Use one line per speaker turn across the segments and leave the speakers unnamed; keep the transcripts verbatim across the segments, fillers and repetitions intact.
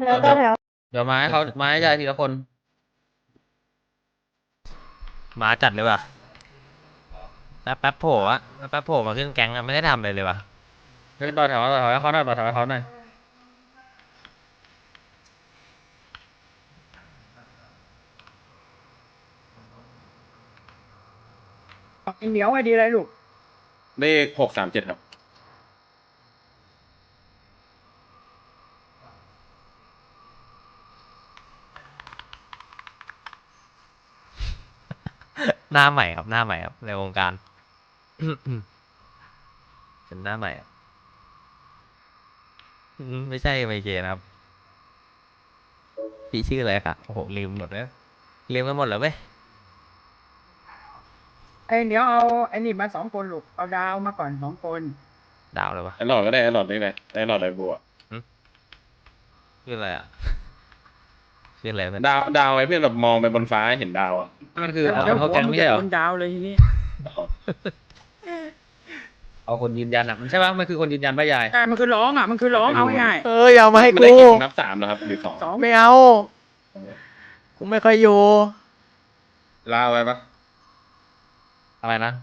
แถวต่อแถว
เดี๋ยวมาให้เขามาให้ใจทีละคน
มาจัดเลยว่ะแล้วแป๊บโผล่อะแล้วแป๊บโผล่มาขึ้นแก๊งอะไม่ได้ทำเลยเลยว่ะ
เฮ้ยต่อแถวต่อแถวให้เขาหน่อยต่อแถวให้เขาหน่อย
เหนียวไอ้ดีอะไรลูก
เลขหกสามเจ็ดครับ
หน้าใหม่ครับหน้าใหม่ครับในวงการ เป็นหน้าใหม่อะอืมไม่ใช่ไมเกนะครับพี่ชื่ออะไรครับโอ้โหลืมหมดแล้วลืมกันหมดแล้วเว้ย
ไอ้เหนียวเอาไอ้นี่มาสองคนลูกเอาดาวมาก่อนสองคน
ดาวเลยวะ
ไอ้หลอดก็ได้ไอ้หลอดนี่ไงไอ้หลอดไรบัว
ชื่ออะไรอ่ะชื่ออะไรเป็น
ดาวดาวไว้เพื่อนแบบมองไปบนฟ้าเห็นดาวอ่ะ
มันคือเอา
แล้ว
เขาแก๊งไม่ใช่เหรอ
คนดาวเลยทีนี้
เอาคนยืนยันอ่ะมันใช่ปะมันคือคนยืนยันป่ะยาย
แต่มันคือร้องอ่ะมันคือร้องเอาง่าย
เอ้ยเอามาให้
ไม่
กู
ได้เก็บนับสามแล้วครับหรือสอง
สอง
ไม่เอากูไม่ค่อยอยู่
ลาวไว้ปะ
อะไรนะ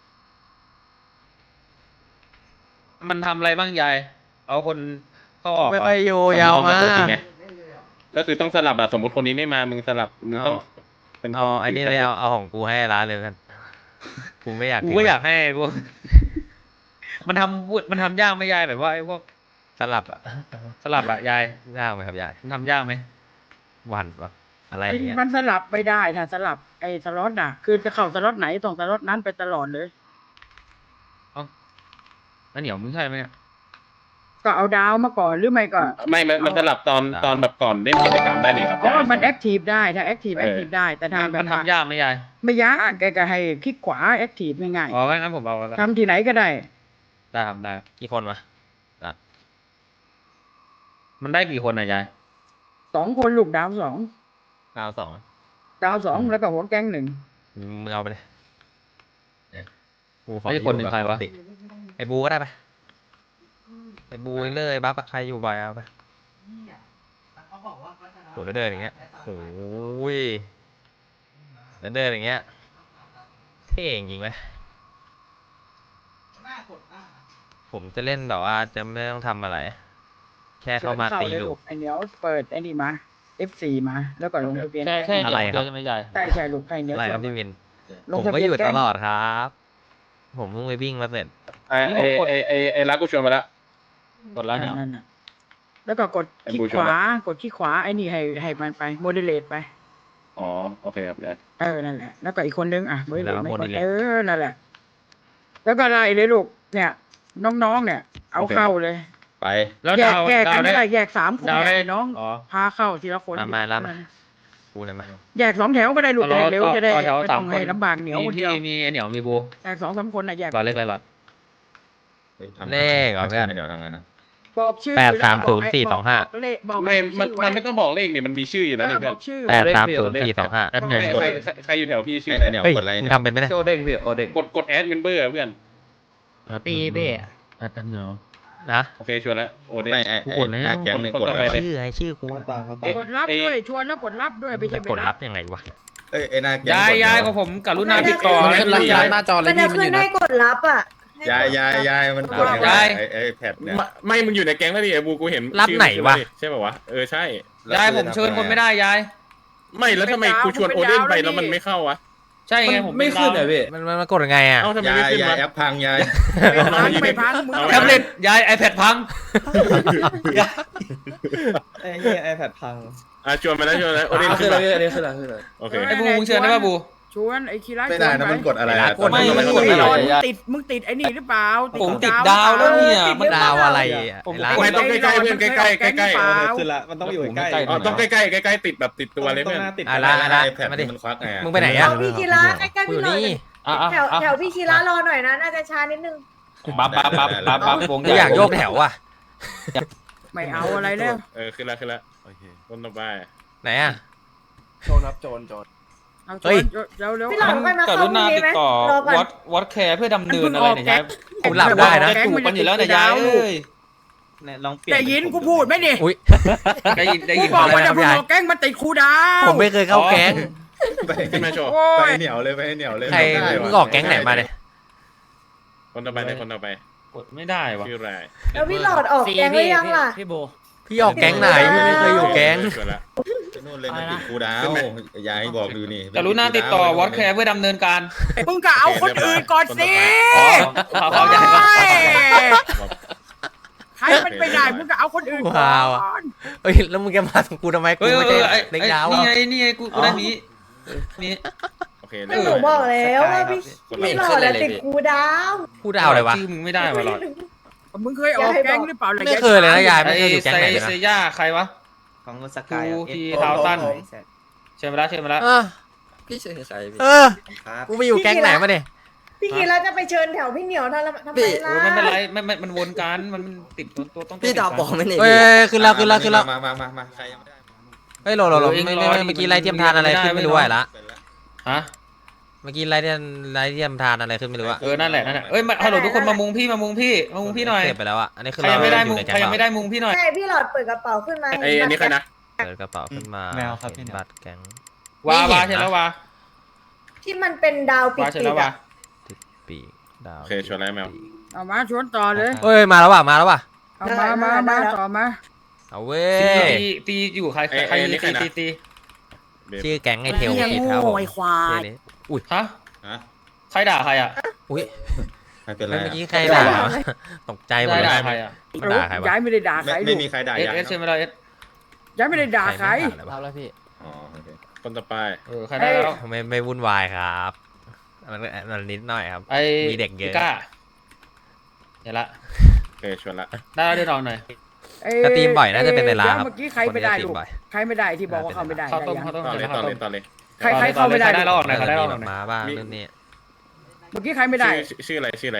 มันทำอะไรบ้างยาย เอาคนเข้าออก
ไม่
เหรอ
ค่อยอยู่อยาวมา
เอจริงไงก็คือต้องสลับอะสมมติคนนี้ไม่มามึงสลับมึงต้องเป็น
เอาไอ้นี่เลยเอาเอาของกูให้ร้านเลยกันกูไม่อยาก
กูก็อยากให้พวก มันทำมันทำยากไหมยายแบบว่าไอ้พวก
สลับอะ
สลับอะยาย
ยากไหมครับยาย
มันทำยากไหม
หวันปะอะไรอ
ไอ้
ย่างเงี้ย
มันสลับไม่ได้ถ้าสลับไอ้สล็อตอ่ะ คือจะเข้าสล็อตไหนต้องสล็อตนั้นไปตลอดเลย
แล้วเหนียวมึงใช่ไหมเนี่ย
ก็เอาดาวมาก่อนหรือไม่ก็
ไม่มันมันสลับตอนตอนแบบก่อนเล่นกิจกรรมได้เลยครับ
อ๋อมันแอคทีฟได้ถ้าแอคทีฟแอคทีฟได้แต่ถ้าแบบ
มันทำยากไหมยาย
ไม่ยากแกก็ให้คลิกขวาแอคทีฟง่าย
อ๋องั้นผมเอาแล้ว
ๆทำที่ไหนก็ได้
ได้ทำได้
กี่คนวะ
มันได้กี่คนอะยาย
สองคนลูกดาวสอง
ดาวสอง
ดาวสองแล้วก็หัวแก๊งหนึ่ง
มึงเอาไปเลยกูขอ
ไอ้คนหนึ่งใครวะ
ติไอ้บูก็ได้ไปไอ้บูเลยบัฟอะใครอยู่บ่อยเอาไปโหเดินอย่างเงี้ยโอ้ยเดินเดินอย่างเงี้ยเท่จริงไหมผมจะเล่นแบบว่าจะไม่ต้องทำอะไร แค่เข้ามาตี
เลย
ลู
ลู
ก
กไอเหนียวเปิดไอ้นี่มา เอฟ โฟร์ มา แล้วก็ลงทะเบียน
แค่แค่
อะไรครับ
เดียวใช่ไหมยาย
ใช่ใช่ลูกใครเหนียว
อะไรครับพี่วิน
ล
ผ
ง
ม
ทะ
ก็
เบี
อน ยู่
แก๊
ต
ง
ลอดครับ ผมเพิ่งไปวิ่งมาเสร็จ
ไอ้ไอ้ไอ้ไอ้ไอ้รักกูชวนมาแล้ว
กดแล้วเนี่ย
นั่นน่ะแล้วก็กด
ไอ้
คลิก
บูช
ข
วน
วา
ละ
กดคลิกขวาไอ้นี่ให้ให้มันไปโมเดเลตไป
อ๋อโอเคครับได้
เออ นั่นแหละ แล้วก็อีกคนนึงอ่ะไม่
แล้ว
ไม่
modulate
เออ นั่นแหละ แล้วก็ไล่เลยลูก เนี่ย น้องๆ เนี่ย เอาเข้าเลย
ไป
แล้ว
แยก
ดาว
แยก
ดา
กั
วน ได้
ไม่ได้แยกสามคน
ดาวได้
เนี่ยน้อง
อ๋อ
พาเข้าทีละคน
มามาแล้วมา กูเลยมา
แยกสองแถวก็ได้ลูก
ต่อ
แยกเร็วจะได้
ต่อแถว
ไม่
สา
ต้
ม
อง
คน
ให้ลำบากเหนียวคน
มี
เดียว
พี่มีไอ้เหนียวมีบู
แยกสองสามคนนะแยก
รอเล็กไรหรอ
เลขเหรอเพื่อน
เดี๋ยวทำไงนะ
บอกชื่อ
แปดสามศูนย์สี่สองห้า
บอกเลขบอก
ไม่มัน
ชื่อ
มัน
ว้
ไม่ต้องบอกเลขนี่มันมีชื่ออยู่
เอ
แล้ว
อ
นี่
บ
เพื่อ
อน กชื่อ
แปดสามศูนย์สี่สองห้า
แอด
ใค
เงิ
ร
น
ใครใครใครอยู่แถวพี่ชื่อ
เฮ้ยมึงทำเป็นไหมเนี่ย
โจเด้งพี่โอเด้ง
กดกดแอดเงินเบอร์เพื่อน
ปีเบ้แอดเหนียว
นะ
โอเคชวนแล้วโอ้เด้
ไม่ไอ้
กู
ไอ้
กดแล้ว
หน้าแก๊งหนึ่งกด
กด
อะไร
ไป
ชื่อไอ้ชื่อกู
กดรับด้วยชวนแล้วกดรับด้วยไม่ใช่
จะ
ไป
กด
รั
รั
บบ
ยังไงวะ
เอ้ยไอ้หน้าแก๊ง
ยาย
กด
ยาย
แล้ว
ของผมกรุณาติดต่อ
มัน
ให้
ขึ้น
พี่
หน้าจอเลยมันจะขึ้นให้กดรับอ่ะ
ยายยายยายมันกดยังไง
ยาย
ไอ้ไอ้แพดเนี่ย
ไม่ไม่มึงอยู่ในแก๊งแล้วดิไอ้บูกูเห็น
รับไหนวะ
ใช่ป่าววะเออใช่
ยายผมเชิญคนไม่ได้ยาย
ไม่แล้วทำไมกูชวนโอเด้นไปแล้วมันไม่เข้าวะ
ใช่ไงผมไม่ขึ้นเลยพี่
มันมันมันกดยังไงอ่ะ
เอ้าทำไม
ยา
ไม่
ย
ขึ้น
ยายว
ะ
แอปพังยาย
ไม่พังไม่พังมึง
เอา
แท็บเล็ตยายไอแพดพัง
ไอ้เหี้ยไอแพดพัง
อ่ะชวนมาแล้วชวนมาแล้วโอเด้นขึ้นมา
อันนี้ขึ้นแล้วขึ้นแล้ว
โอเค
ไอบูมึงเชิญได้ป่ะบู
ชวนไอ้คีร่า
ไม่ได้นะมันกดอะไรอะ
กด
ไม่มันกด
ไม่
ไม่
ได้
ได้
ติดมึงติดไอ้นี่หรือเปล่า
ผมติดดาวแล้วเนี่ย
ติ
มัน
หรือ
ดาว
เปล่
อะไรอ่ะ
ผม
ไอ้ร้าน
ไม่ต้องใกล้ๆเพื่อนใกล้ๆใกล้ๆ
เปล่า
ขึ้นละมันต้องอยู่ใกล้
อ๋อต้องใกล้ๆใกล้ๆติดแบบติดตัวเลย
ต้อ
เพื่
ง
อน
หน้าติด
อ่ะร้านอ่ะร้าน
ไอ้แพด
มาดิ
มันควักไงอะ
มึงไปไหนอ่ะ
เอาพี่คีระใกล้ๆ
กูอ
พี่
ยู่
หน่อย
นี่
แถวแถวพี่คีระรอหน่อยนะน่าจะช้านิดนึง
บัฟบัฟบัฟบัฟบัฟวง
กูอยากโยกแถวอ่ะ
ไม่เอาอะไรแล้ว
เออขึ้นแล้วขึ้นแล้วต้นต่อไป
ไหนอ่ะ
โจรครับโจรโจร
เอาช
เฮ้
วย นเร็วเร็ว
พี่หลังไปมาเข้าพรุ่งนี้ไหมรอก่อน
วัดวัดแคร์เพื่อดำเนินอะไรเนี่ยยาย
กูหลับได้นะ
จะจูบกันอยู่แล้วเนี่ยยายเอ้ย
เนี่ยลองเปลี่ยน
ได้ยินกูพูดไหมนี่
อุ้ย
ได้ยินได้
กู
ยิน
บอก
อะไร
ว่า
ค
จะ
รับ
พูด
ยาย
บอกแก๊งมาติดครูดาว
ผมไม่เคยเข้าแก๊ง
ไป
ขึ้นมาโชว์
โอ้
ไป
ย
เหนียวเลยไปเหนียวเลย
ใคร
ไได้
มึง
ว่ะ
ออกแก๊งไหนมาเนี่ย
คนต่อไปเลยคนต่อไป
กดไม่ได้วะ
ชื่ออะไร
แล้วพี่หลอดออกแกงหรือยังล่ะ
พี่โบ
พี่ออกแก๊งไหนพี่ไม่เคยอยู่แก๊ง
สวยละ
นู่นเลยมันติดครูดาว ยายบอกดูนี่
กรุณาติดต่อวอตแคร์เพื่อดำเนินการ
มึงก็เอาคนอื่นก่อนสิ
อ๋อขอขอใจก่อน
โอ้ยใครมันไปได้มึงก็เอาคนอื่นก่
ว้าว
อ
อะ
น
เอ้ยแล้วมึงจะมาถึงกูทำไมกู
เฮ้ย
ไม่
เอ
ใช่
อไอ้
เด็ก
ไอ้
ดาว
นี่
อะ
ไงนี่ไงกูกูได้นี้นี่
โอเค
ก็หนูบอกแล้วว่าพี่
คนต่อ
พี่
ไป
หลอดอะติดครูดาว
พูดดาวเลยวะ
ชื่อมึงไม่ได้วะหรอ
มึงเคยออกแก๊งหรือเปล่าล่ะ
ไม่เคยเลยนะยาย
ไอ้
ไม่เคยอยู่แก๊ง
เซ
ไหนเลย
เซ
นะ
ย่าใครวะ
ของสกาย
กูที่เท้าสั้น เชิญมาแล้วเชิญมาแล้ว
เออ
พี่เชิญใครพี่
เออ
ครับ
กูไปอยู่แก๊งไหนมาเนี่ย
พี่กีแล้วจะไปเชิญแถวพี่เหนียวทำไมทำไม
เอ
ล่ะ
อไม่เป็นไรไม่ไม่มันวนกันมันมันติดตัวตัวต้อง
พี่ดาวบอกไม่หนี
เอ้ยขึ้นแล้วขึ้นแล้วขึ้นแล้ว
มามามามาใครยังไม่ได้
เฮ้ยโหลโหลโหลไม่ไม่ไม่เมื่อกี้ไรเทียมทานอะไรขึ้นไม่รู้อะละ
เป็นแล้ว
ฮะ
เมื่อกี้ไรเทียมไรเทียมทานอะไรขึ้นไม่รู้อะ
เออนั่นแหละนั่นแหละเอ้ยมาฮัลโหลทุกคนมามุงพี่มามุงพี่มามุงพี่หน่อย
เสร็จไปแล้วอะอันนี้คือ
ใครยังไม่ได้มุง
อยู่ใน
ใคร
แก๊ง
ยังไม่ได้มุงพี่หน่อย
ใช่พี่หลอดเปิดกระเป๋าขึ้นมา
ไอ้อันนี้ใครนะ
เปิดกระเป๋าขึ้นมา
แมวครับพี่
เห็น
แมว
บัตรแก๊ง
วา
ไม่
วา
เห็นนะ
เชิญแล้ววา
ที่มันเป็นดาวปิ
วาเชิญ
ด
แล้ว
ๆ
วา
อะ
ปีกดาว
โอเคชวนแล้วแมว
เอามาชวนต่อเลย
เอ้ยมาแล้วว่ะมาแล้วว่ะ
เอามามามาต่อมา
เอาเว้
ตี
ย
ตีตีอยู่ใครใครตีตีตี
ชื่อแก๊งไอเทล
เหี้ย
คิด
โง่
ครับผม
ไอ้ควาย
ชื่อนี้อุ้ย
ฮะ
ฮะ
ใครด่าใครอ่ะ
อุ้ย
ไม่เป็นไร
เมื่อ
อะ
กี้ใครด่าตกใจหม
ใคร
ดเล
ด่าย ใครอ่ะ
ด่าใครวะ
ย้ายไม่ได้ด่าใค
ไม่
ร
ไม่
ลูก
มีใครด่า
เอส
ยาย
เอสเชิญมาแล้วเอส
ย้ายไม่ได้ด่าใคร
ไม่ด่าเลยวะ
แล้วพี่
อ๋อโอเค
คนต่อไป
เออใครได้แล้ว
ไม่ไม่วุ่นวายครับมันมันนิดหน่อยครับ
ไอ้
มีเด็กเยอะ
ก้าเห็นละ
โอเคชวนละ
ได้แล้วเดี๋ยวรอหน่อย
เอ้ย
สตรีมบ่อยน่าจะเป็นในร้านครับ
เมื่อกี้ใครไม่ได้
คนนี้สตรี
ลู
ม
ก
บ่อย
ใครไม่ได้ที่บอกว่าเขาไม่ได้
ข้าวต้ม
ได้ยัง
ข้าวต้ม
ต่อเลย
เชิญ
ต่อ
ข้าว
เล
ต้
ย
ม
ต่อเลย
ใครใครเข้าไม่ได้
ใครได้แล้วออกหน่อยใครได้
มี
แล้วอ
แบ
อก
บ
หน่อย
มาบ้างนู่นนี่
เมื่อกี้ใครไม่ได้
ชื่อชื่ออะไรชื่ออะไร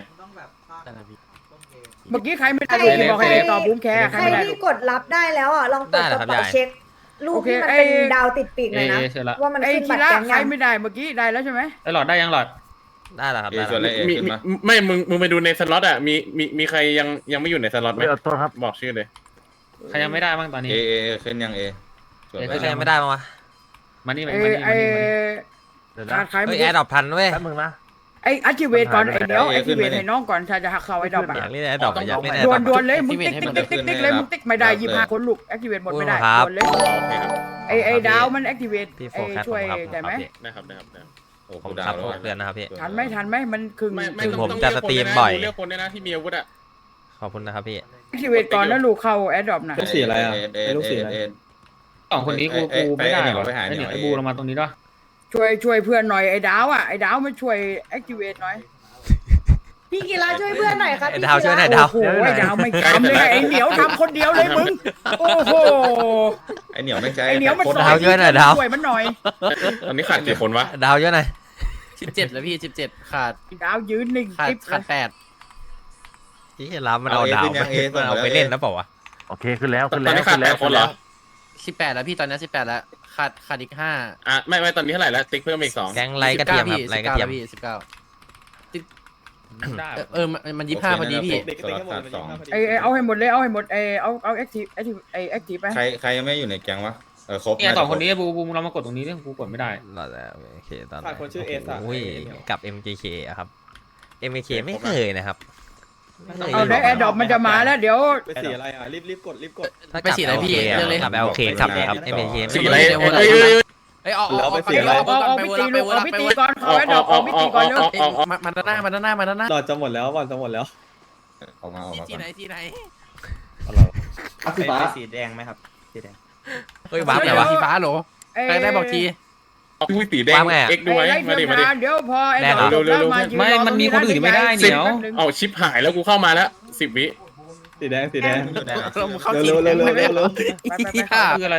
เมื่อกี้ใครไม่ได้ลูกที่บอกให้ตอบบุ้มแคร์ใคร
ใคร
ไม่ได้ลู
ที่
ก
กดรับได้แล้วอ่ะลองเปิดกระเป๋าเช็ครูปที่มันเป็นดาวติดปีกหน่อยนะ
เอเชิญละ
ว่ามัน
ไอ้
ขึ้น
คี
บัตร
ระ
แก๊ง
ใคร
ยัง
ไม่ได้เมื่อกี้ได้แล้วใช่ไหม
ไอ้หลอดได้ยังหลอด
ได้แล้วครับ
เอ
ได้
ส่วน
แล้ว
อะไรเอ
มี
ขึ้น
มี
มา
ไม่มึงมึงไปดูในสล็อตอ่ะมีมีมีใครยังยังไม่อยู่ในสล็อตไหมบอกชื่อเลย
ใครยังไม่ได้บ้างตอนนี้
เอเอเอขึ้นยังเอส่วน
เอ
ไม่
อะไร
ใช่ไม่ได้มั้งวะ
มานี่มา
ไอ้
นี่มา
ไอ้
นี่มานี่
ขาดใคร
เฮ้
ไม่
ยแอ
ได้
ร์ดรอปทันเว้ย
ไอ้อัจิเวตก่อนไอ้เดี๋ยวไอ้อัจิเวตให้น้องก่อนถ้าจะหักเขาไอ้ดอก
อยากเล่นแอร์ดรอปอยากเล่นแอร์
ด
ดร
ว
อน ป
ดวนเลยมึงติ๊กติ๊กติ๊กติ๊กติ๊กเลยมึงติ๊กไม่ได้ยี่ห้าคนลูกแอคทีเวตหมดไม่ได้
ครับ
ดวนเลย
โอเคครับ
ไอ้ไอ้ดาวมันแอคทีเวต
พี่โฟ
ไอ้
กัส
ช่วย
ผมครับ
ได้ไหม
ได้ครับได้ครับได้ครับ
โอ้
ผม
ดา
ครั
ว
บ
แล้ว
หกเดือนนะครับพี่
ทันไหมทันไหมมันครึ่ง
ไม่ไม่
ถึง
ต้อง
ผม
ต้อง
จะ
เลือก
สตรีม
คน
บ่อย
เลือกคนด้วยนะที่มีอาวุธอ่ะ
ขอบคุณนะครับพี่
แอคทีเวตก่อนแล้วลูกเข้าแอดดอปนะ
ลูกสีอะไรอ่ะ
เอเอ
ไอ้ลูกสีอะไร
เอ
สองคนนี้กูกูไม่ได้หรอ
ไปหา
ไอ้
เหนี
เนี่ย
ยว
ไอ้บูลงมาตรงนี้ด้วย
ช่วยช่วยเพื่อนหน่อยไอ้ดาวอ่ะไอ้ดาวมาช่วยแอคทีเวตหน่อย
พี่กีฬาช่วยเพื่อนหน่อยครับ
ไอ้
พี่
ดาวช่วยหน่อยดาว
โอ้โหไอ้ดาวไม่ทำเลยไอ้เหนียวทำคนเดียวเลยมึงโอ้โห
ไอเหนียวไม่ใช่
ไอ้เหนียวมัน
โคต
ส
ร
อ
ดาวน ช่วยหน่อยดาว
ช่วยมันหน่อย
ตอนนี้ขาดกี่คนวะ
ดาวเยอะหน่อย
สิบเจ็ดแล้วพี่สิบเจ็ดขาด
ดาวยืนหนึ่ง
ขาด
ติ๊บ
ขาดแปด
ที่รับมันเอาดาวมันเอาไปเล่นแล้วเปล่าวะ
โอเคขึ้นแล้ว
ต
ขึ้น
อน
แล้ว
นี้ขาดแปดคนเหรอ
สิบแปดแล้วพี่ตอนนี้สิบแปดแล้วขาดขาดอีกห้า
อ่ะไม่ไม่ตอนนี้เท่าไหร่แล้วติ๊กเพิ่มอีกสอง
แก๊งไรกระเทียมครับไรกระเทียม
พี่สิบเก้า
ได้
เออเออมันมันยี่สิบห้าพอดีพี่
สลับขาดสอง
ไอ้ไอ้เอาให้หมดเลยเอาให้หมดไอ้เอาเอาแอคทีฟแอคทีฟไอ้แอคทีฟไป
ใครใครยังไม่อยู่ในแก๊งวะเออครบ
เนี่ยสองคนนี้บูบูเรามากดตรงนี้เนี่ยกูกดไม่ได้
รอแล้วโอเคตอน
ฝากคนชื่อเอสอะ
โอ้ยกับ เอ็ม เค เค อะครับ เอ็ม เค เค ไม่เคยนะครับไม่เคย
เอาได้แอดดอปมันจะมาแล้วเดี๋ยว
ไปสีอะไรอ่ะรีบรีบกดรีบกด
ถ้า
ไปสีอะไรพี่
กับ
เรื่องเลย
กับ โอเคขับเลยครับ เอ็ม เค
สี
ไม่
อะไร
เคย
เอ้ยเอ้ยเอ้ย
เอ้ยออกออกออก
เอาเอาเอาพิตีลูกเอาพิตีก่อนเขาแอดดอปเอาพิตีก่อนเร็ว
มามาด้านหน้ามาด้านหน้ามาด้านหน้า
หลอดจะหมดแล้วหลอดจะหมดแล้ว
ออกมาออกมา
ที่
ก่อน
ไหนที่ไหน
สีฟ้า
สีแดงไหมครับสีแดง
เฮ้ยว้าวไหนวะ
สีฟ้าเหรอใครได้บอกที
เอาอุ้ยสีแดง
วางไงอะ
เอ็กซ์ด้วย
ไอ้
มาดิ
เทียม
มาดิ
ทานเดี๋ยวพอแอดดอป
เร็ว
แล้ว
เร็ว
มายืน
ไม่
รอ
มันมีคนอื่นไม่ได้เหนียว
เอาชิปหายแล้วกูเข้ามาแล้วสิบวิ
สีแดงสีแดง
เราเข้าสี
เร็ว
แด
เร็ว
ง
เร็ว
ไม่
เร็วเร็ว
ไปไปไป
คืออะไร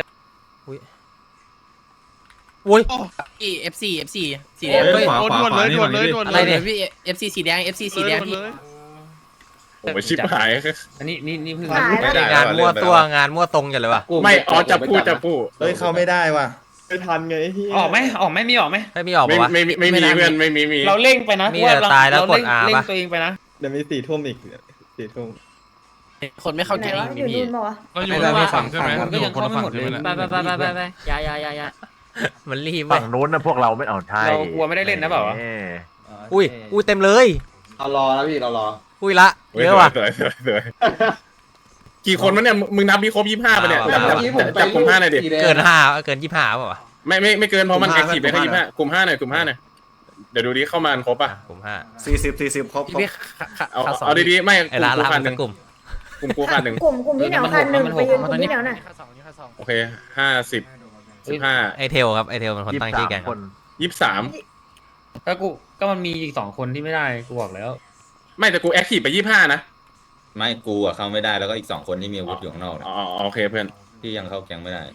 อุ้ย
พี่ เอฟ ซี เอฟ ซี สีแดง
เฮ้ย
ขวาขวาขวานี่มันนี่
อะไรเนี่ย
พี่ เอฟ ซี สีแดง เอฟ ซี สีแดงพี่
โอ้ยชิปหาย
อันนี้นี่นี่เพิ่ง
หายแล้ว
งานมั่วตัวงานมั่วตรงอย่างเลยวะ
ไม่อ๋อจับพูดจับพูด
เฮ้ยเข้าไม่ได้ว่ะ
ไม่ทันไงไอ้เหี้ย
ออกไหมออกไหมมีออกไหม
ไม่มีออก
ไม่
ปะวะ
ไม่ไม่ไม่มีเพื่อนไม่มีมี
เราเร่งไปนะ
มีแต่ตายแล้วกด R
เร่ง
ปะ
ตัวเองไปนะ
เดี๋ยวมีสี่ทุ่มอีกสี่ทุ่ม
คนไม่เข้า
ไหน
แก๊ง
วะอยู่
พี่
นู่นมาวะ
ก็อยู่คนละฝั่งใช่ไหม
มันก็ยังเข้าไม่หมดเลย
ไปไปไปไปไปไปยายายายา
มันรีบไป
ฝั่งนู้นนะพวกเราไม่เอาใช่
เรากลัวไม่ได้เล่นนะเปล่าวะ
อุ้ยอุ้ยเต็มเลย
เอารอแล้วพี่เรารอ
อุ้ยละเยอะว่ะ
สวยสวยสวยกี่คนวะเนี่ยมึงนับมีครบยี่ห้าปะเนี่ย
อ่า
จับจับจับกลุ่มห้าหน่อยดิ
เกินห้าเกินยี่ห้าเปล่าวะ
ไม่ไม่ไม่เกินเพราะมันแอคทีฟเลยแค่ยี่ห้ากลุ่มห้าหน่อยกลุ่มห้าหน่อยเดี๋ยวดูดิเข้ามาครบป่ะ
ผมห้า
สี่สิบสี่สิบครบ
พี่พี่ขา
เอา
ขาสอง
เอาดีๆไม่
ไอ้ละ
กลุ่
ละ
มขา
มั
ด
น
ห
สั
นึ่
ก
ง
กลุ่ม
กลุ่มกูขาดหนึ่ง
กลุ่มกลุ่มที่เหนียวคันหนึ่งไปยืนกลุ่มที่เหนียวน่ะ
โอเคห้าสิบสิบห้า
ไอเทลครับไอเทลเป็นคนตั้งชื่อแกงครับ
ยี่สิบสาม
ก็กูก็มันมีอีกสองคนที่ไม่ได้กูบอกแล้ว
ไม่แต่กูแอคทีฟไปยี่ห้านะ
ไม่กูอะเข้าไม่ได้แล้วก็อีกสองคนที่มีอาวุธอยู่ข้างนอกเนี่ย
อ๋อโอเคเพื่อน
ที่ยังเข้าแก๊งไม่ได้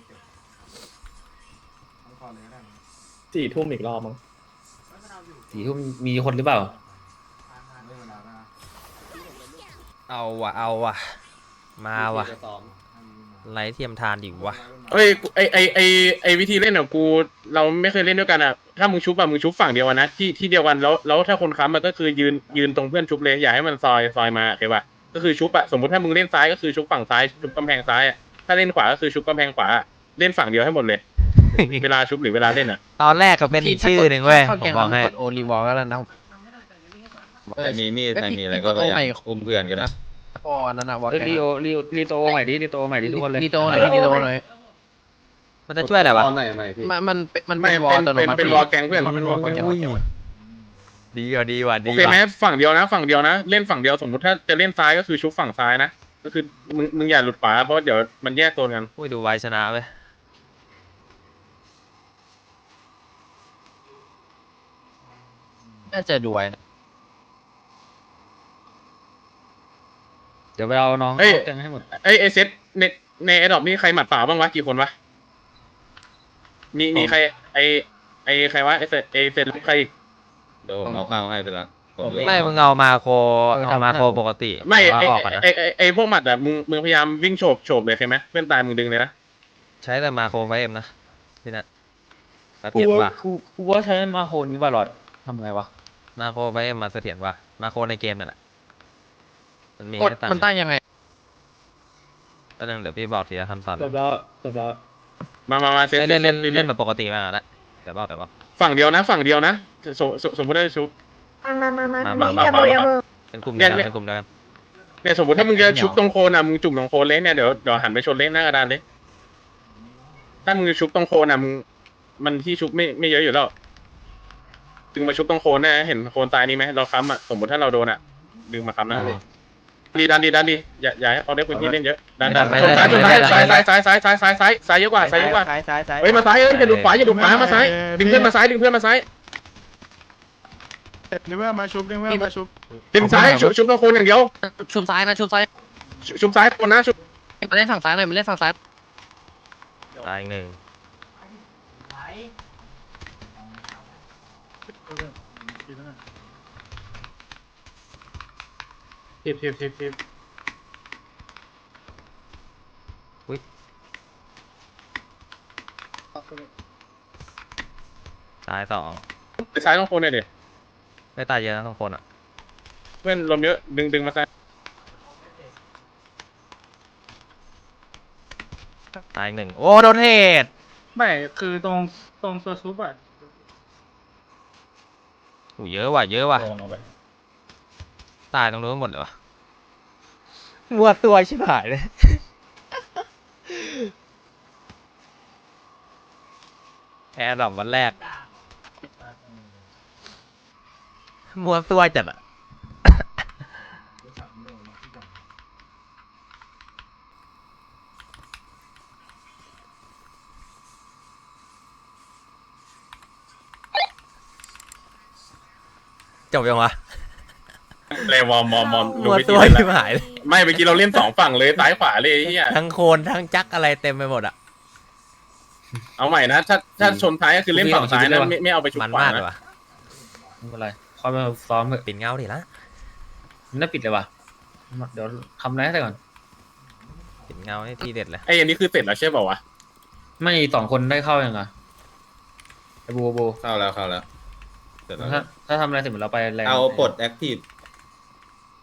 สี่ทุ่มอีกรอบมั้ง
สี่ทุ่มมีคนหรือเปล่า
เอาว่ะเอาว่ะมาว่ะไรเทียมทานดิวะ
เอ้ยไอไอไอไอวิธีเล่นอ่ะกูเราไม่เคยเล่นด้วยกันอ่ะถ้ามึงชุบอ่ะมึงชุบฝั่งเดียวกันนะที่ที่เดียวกันแล้วแล้วถ้าคนค้ำมันก็คือยืนยืนตรงเพื่อนชุบเลยอย่าให้มันซอยซอยมาโอเคป่ะก็คือชุบอ่ะสมมติถ้ามึงเล่นซ้ายก็คือชุบฝั่งซ้ายชุบกำแพงซ้ายอ่ะถ้าเล่นขวาก็คือชุบกำแพงขวาเล่นฝั่งเดียวให้หมดเลย เวลาชุบหรือเวลาเล่นอ่ะ
ตอนแรกก็เป็นอีกชื่อหนึ่งเว้ยผมบอกให้
กดโอลิวอลก็แล้วนะ
ใครมีมีดใครมีอะไรก็พยายามอุ้มเพื่อนกันนะ
พออันนั้นอะวอล
เอ้ยรีโอรีโอรีโตใหม่ดิรีโตใหม่ดิทุกคนเลย
ลีโตหน่อยลีโตหน่อย
มันจะช่วยอะไรวะ
ตอนไหนไหนพี่
มันมันมัน
ไม่
เป็นวอล
เป็น
อัตโน
เป็น
มัติ
เป็นวอลแกงเพื่อน
เป็นวอลแกง
ดีว่ะดีว่ะ
โอ
ดี
เคไหม
ว่ะ
ฝั่งเดียวนะ ฝั่งเดียวนะ เล่นฝั่งเดียวสมมติถ้าจะเล่นซ้ายก็คือชุบฝั่งซ้ายนะก็คือมึงมึงอย่าหลุดขวาเพราะเดี๋ยวมันแยกโซนกัน
อุ้ยดูไวชนะเว้ย
น่าจะดูไว้นะ
เดี๋ยวไปเอาน้อง
เอ้ย
แกงให้หมด
เอ้ยไอเซตในในแอดดอปนี่ใครหมัดเปล่าบ้างวะกี่คนวะมีมีใครไอไอใครวะไอเซตไอเซตใครอีก
โดนเอาข้าวให้ไปละผมเหลือ
ไม่มึงเอามาโคเอามาโคปกติ
ไม่ไอ
เอาออกก่อนนะ
ไอไอไอพวกหมัดอะมึงมึงพยายามวิ่งโฉบโฉบเลยใช่ไหมเพื่อนตายมึงดึงเลยนะ
ใช้แต่มาโคไฟเอ็มนะพี่นัทเส
กู
ถียร
ว่า
ว่ะ
กูกูว่าใช้มาโคนี้บาลอดทำไงวะ
มาโคไฟเอ็มมาเสถียรว่ะมาโคในเกมนั่นแหละมันมี
กด
ให้ตั้ง
มันตั้งยังไง
ก็นึงเดี๋ยวพี่บอกทีละขั้นตอน
จบแล้วจบแล้ว
มามามาเซต
เล่นเล่นเล่นเล่นแบบปกติมากแล้วเดี๋ยวบอกเดี๋ยวบอก
ฝั่งเดียวนะ ฝั่งเดียวนะสมสมสมมติได้ชุบ
มามามามา
มา
มีอย่ามืออย่ามือ
เป็นกลุ่มเดียวกัน
เนี่ย
เป็นกลุ่มเดียวกัน
เนี่ยสมมติถ้ามึงจะชุบตรงโคนอ่ะมึงจุ่มตรงโคนเล่นเนี่ยเดี๋ยวเดี๋ยวหันไปชนเล่นหน้ากระดานเลยถ้ามึงจะชุบตรงโคนอ่ะมึงมันที่ชุบไม่ไม่เยอะอยู่แล้วดึงมาชุบตรงโคนนะเห็นโคนตายนี่ไหมเราค้ำอ่ะสมมติถ้าเราโดนอ่ะดึงมาค้ำนะดีดันดีดันดีอย่าอย่าให้เขาได้พื้นที่เล่นเยอะดันดันชนซ้ายชนซ้ายซ้ายซ้ายซ้ายซ้ายซ้ายซ้ายซ้ายเยอะกว่าซ้ายเยอะกว่า
ซ้ายซ้ายซ้าย
เฮ้ยมาซ้ายเอ้ยอย่าดูขวาอย่าดูขวามาซ้ายดึงเพื่อนมาซ้ายดึงเพื่อนมาซ้าย
นึกว่ามาชุบนึกว่ามาชุบ
ดึงซ้ายชุบชุบตรงโคนอย่างเดียว
ชุบซ้ายนะชุบซ้าย
ชุบชุบซ้ายคนนะชุบ
มาเล่นฝั่งซ้ายหน่อยมาเล่นฝั่งซ้าย
ตายอีกหนึ่ง
ทิปทิปทิปทิป
ตายสอง
ไปซ้ายตรงโคนเลยดิ
ไม่ตายเยอะนะทุกคนอ่ะ
เพื่อนลมเยอะดึงดึงมาซ้าย
ตายอีกหนึ่งโอ้โดนเหตุ
ไม่คือตรงตรงตัวซุปอ่ะ
โอ้เยอะว่ะเยอะว่ะตายตรงนู้นหมดเลยวะมัวตัวชิบหายเลย แอร์ดรอปวันแรกมัวตัวจัดอะ จบยังวะ
เลยวอร์มมอมมอม
มัว
วิ
ตัว
ธีเล่น
ชิบ
ละ
หายเลย
ไม่เมื่อกี้เราเล่นสองฝั่งเลยซ้ายขวาเลยไอ้เฮีย
ทั้งโคนทั้งจักอะไรเต็มไปหมดอะ
เอาใหม่นะถ้าถ้าชนท้ายก็คือเล่นฝั่งซ้ายนะไม่ไม่เอาไปชุบ
มัน
ขวาม
ากเล
นะ
ยวะ
ไม่เป็นไรคอยมาซ้อมเถอะ
ปิดเงาดิละ
น่าปิดเลยว่ะเดี๋ยวทำอะไรให้ได้ก่อน
ปิดเงาให้ทีเด็ดเลย
ไอ้อันนี้คือเสร็จแล้วใช่เปล่าวะ
ไม่สองคนได้เข้ายังไงไอ้บูบู
เข้าแล้วเข้าแล้วเสร็จแล้ว
ถ้าถ้าทำอะไรเสร็จเราไปแรง
เอาปลดแอคทีฟ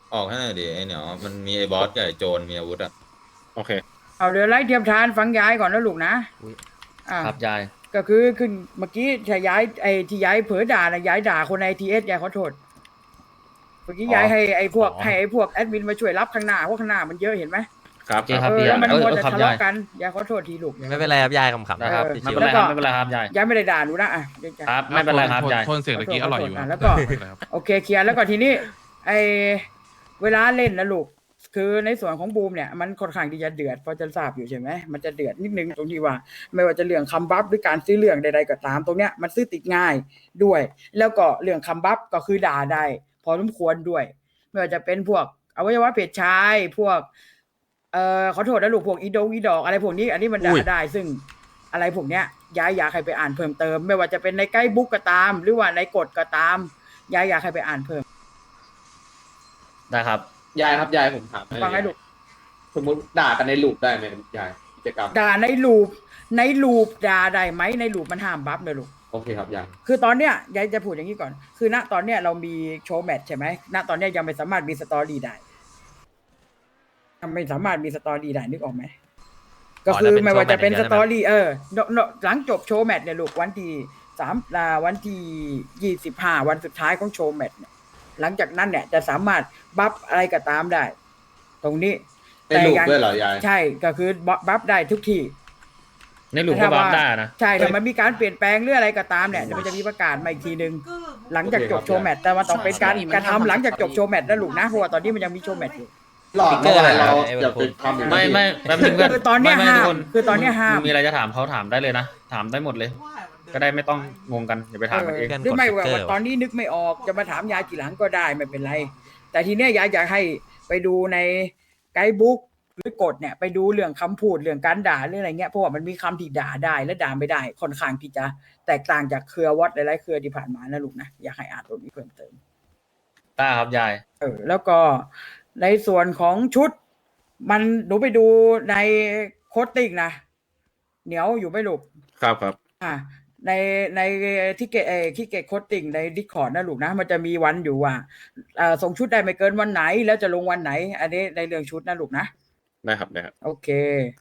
ออกให้หน่อยดิไอ้เหนียวมันมีไอ้บอสกับไอ้โจรมีอาวุธอ่ะ
โอเค
เอาเรือไล่เทียมทานฟังยายก่อนนะลูกนะอ่า
ครับยาย
ก็คือขึ้นเมื่อกี้ที่ย้ายไอ้ที่ย้ายเผลอด่านะย้ายด่าคนในทีเอสยายขอโทษเมื่อกี้ย้ายให้ไอ้พวกให้ไอ้พวกแอดมินมาช่วยรับข้างหน้าเพราะข้างหน้ามันเยอะเห็นไหม
ครับ
โอเคครับ
เอ
พี่
อแล้วมัน
เออ
มัว
เออ
แต่
ครับ
ทะ
ยา
เลาะ
ย
กันยายขอโทษทีลูก
ไม่เป็นไรครับยายขำๆ
นะครับ
เออ
ไม่เป็นไรครับไม่เป็นไรครับยาย
ยายไม่ได้ด่าหนูนะอ่ะเดี๋ยวจะ
ครับไม่เป็นไรครับยาย
โทนเสียงเมื่อกี้อร่อยอยู่
ะแล้วก็โอเคเคลียร์แล้วก็ทีนี้ไอเวลาเล่นนะลูกคือในส่วนของบูมเนี่ยมันค่อนข้างที่จะเดือดพอจะทราบอยู่ใช่ไหมมันจะเดือดนิดนึงตรงที่ว่า ไม่ว่าจะเรื่องคำบัฟหรือการซื้อเรื่องใดๆก็ตามตรงเนี้ยมันซื้อติดง่ายด้วย แล้วก็เรื่องคำบัฟก็คือด่าได้พอสมควรด้วยไม่ว่าจะเป็นพวกอวัยวะเพศชายพวกเอ่อขอโทษนะลูกพวกอีโดงอีดอกอะไรพวกนี้อันนี้มันด่าได้ ซึ่งอะไรพวกเนี้ยย้ายอยากให้ไปอ่านเพิ่มเติม ไม่ว่าจะเป็นในไกด์บุ๊กก็ตาม หรือว่าในกฎก็ตามย้ายอยากให้ไปอ่านเพิ่ม
ได้ครับ
ยายครับยายผมถาม
ฟังให้ลูก
สมมติด่ากันในลูปได้ไหมยายกิจกรรม
ด่าในลูปในลูปด่าได้ไหมในลูปมันห้ามบัฟเลยลูก
โอเคครับยาย
คือตอนเนี้ยยายจะพูดอย่างนี้ก่อน คือณตอนเนี้ยเรามีโชว์แมตช์ใช่ไหมณตอนเนี้ยยังไม่สามารถมีสตอรี่ได้ยังไม่สามารถมีสตอรี่ได้นึกออกไหมก็คือไม่ว่าจะเป็นสตอรี่เออเนอะเนอะหลังจบโชว์แมตช์เนี่ยลูกวันที่สามอ่าวันที่ยี่สิบห้าวันสุดท้ายของโชว์แมตช์เนี่ยหลังจากนั้นเนี่ยจะสามารถบัฟอะไรก็ตามได้ ตรงนี้
ในลูปด้วยเหรอยาย
ใช่ก็คือบัฟได้ทุกที่
ในหลุมก็บัฟได้นะ
ใช่ถ้ามันมีการเปลี่ยนแปลงหรืออะไรก็ตามเนี่ยเดี๋ยวมันจะมีประกาศมาอีกทีนึงหลังจากจบโชว์แมตช์แต่ว่าต้องเป็นการกระทำหลังจากจบโชว์แมตช์นะลูกนะเพราะว่าตอนนี้มันยังมีโชว์แมตช์อยู่
หลอดเมื่อวานเราอย่าไปทำอย่างนี้
ไม่ไม่แป๊บนึงเพื่อน
คือตอนเนี้ย
ไม่ไม่
ห้าม
ทุกคน
คือตอนเนี้ยห้าม
มีอะไรจะถามเขาถามได้เลยนะถามได้หมดเลย ก็ได้ไม่ต้องงงกันอย่าไปถามกันเอง
หรือไม่ว่าว่าตอนนี้นึกไม่ออกจะมาถามยายกี่หลังก็ได้ไม่เป็นไร แต่ทีเนี้ยยายอยากให้ไปดูในไกด์บุ๊กหรือกฎเนี่ยไปดูเรื่องคำพูดเรื่องการด่าเรื่องอะไรเงี้ยเพราะว่ามันมีคำที่ด่าได้และด่าไม่ได้ค่อนข้างที่จะแตกต่างจากเครือวัดหลายๆเครือที่ผ่านมานะลูกนะอยากให้อ่านตรงนี้เพิ่มเติม
ได้ครับยาย
เออแล้วก็ในส่วนของชุด มันหนูไปดูในโค้ดติ้งนะเหนียวอยู่ไม่ลูก
ครับครับ
อ่าในในที่เกตเอที่เกตโค้ดติ้งในดิสคอร์ดนะลูกนะมันจะมีวันอยู่ว่าอ่าส่งชุดได้ไม่เกินวันไหนแล้วจะลงวันไหน อันนี้ในเรื่องชุดนะลูกนะ
ได้ครับได้ครับ
โอเค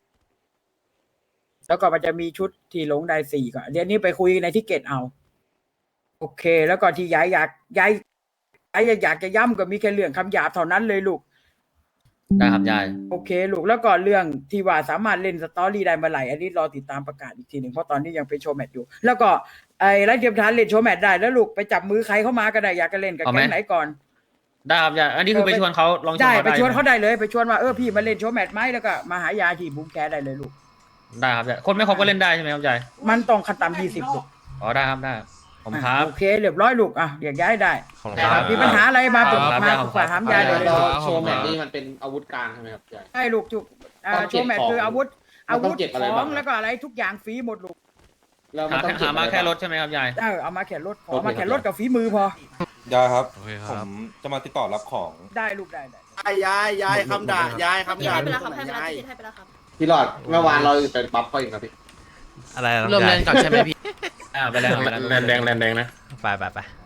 แล้วก็มันจะมีชุดที่ลงได้สี่ก่อนเดี๋ยวนี้ไปคุยในที่เกตเอา โอเค แล้วก็ที่ย้ายอยากย้ายย้ายอยากจะย้ำก็มีแค่เรื่องคำหยาบเท่านั้นเลยลูก
ได้ครับยาย
โอเคลูกแล้วก็เรื่องที่ว่าสามารถเล่นสตอรี่ได้เมื่อไหร่อันนี้รอติดตามประกาศอีกทีหนึ่งเพราะตอนนี้ยังเป็นโชว์แมตช์อยู่ แล้วก็ไอ้ไร้เทียมทานเล่นโชว์แมตช์ได้แล้วลูกไปจับมือใครเข้ามาก็ได้อยากจะเล่นกับ
เอาไหม
แก๊งไหนก่อน
ได้ครับยายอันนี้คือไปชวนเขาลองชวน
ได้
เขา
ไป
ได้
ชวนเขา
ไหม
ได้เลยไปชวนว่าเออพี่มาเล่นโชว์แมตช์ไหมแล้วก็มาหายาที่บุ้มแคสได้เลยลูก
ได้ครับยายคนไม่ครบก็เล่นได้ใช่ไหมครับยาย
มันต้องขั้นต่ำยี่สิบลูก
อ๋อได้ครับได้ผมครับ
โอเคเรียบร้อยลูกอ่ะอยากย้ายได้
ขอบคุณ
ได้
ค
ครั
รับ บ
มีปัญหาอะไรมาปรึก
ครับ
มา
ได้
ป
ครั
รึ
บ
กษาถามยายได้เลย
เรา
ลูก
โชว์แมตช์นี่มันเป็นอาวุธกลางใช่ไหมครับยาย
ใช่ลูกจุกอ่า
ต้อง
โช
เก็บ
ว์แมตช์
ของ
คืออาวุธ
มัน
อา
ต้
วุ
อง
ธ
เก็บอะไร
ขอ
บ้าง ง
แล้วก็อะไรทุกอย่างฟรีหมดลูก
แล้วมั
หาน
ต้องเก็บ
หามา
อะไร
แค่
บ้าง
รถใช่ไหมครับยาย
เออเอามาแค่รถขอ
โอเค
มาแค่
ครับ
รถกับฝีมือพอ
ยายครับ
โอเคค
ผ
รับ
มจะมาติดต่อรับของ
ได้ลูกได้ได้
ยายยายคำด่ายายคำด่า
ให้ไปแล้วครับให้ไปแล้วให้ไปแล้วครับ
พี่หลอดเมื่อวานเราเป็นบัฟเขาอีกนะพี่
อะไรนะ
เริ่ม
ยา
เล่
ย
นก่อนใช่ไหมพี่
อ่าไปแล้วครับไปแล้ว
แลนแดงแลนแดงนะ
ไปไปไป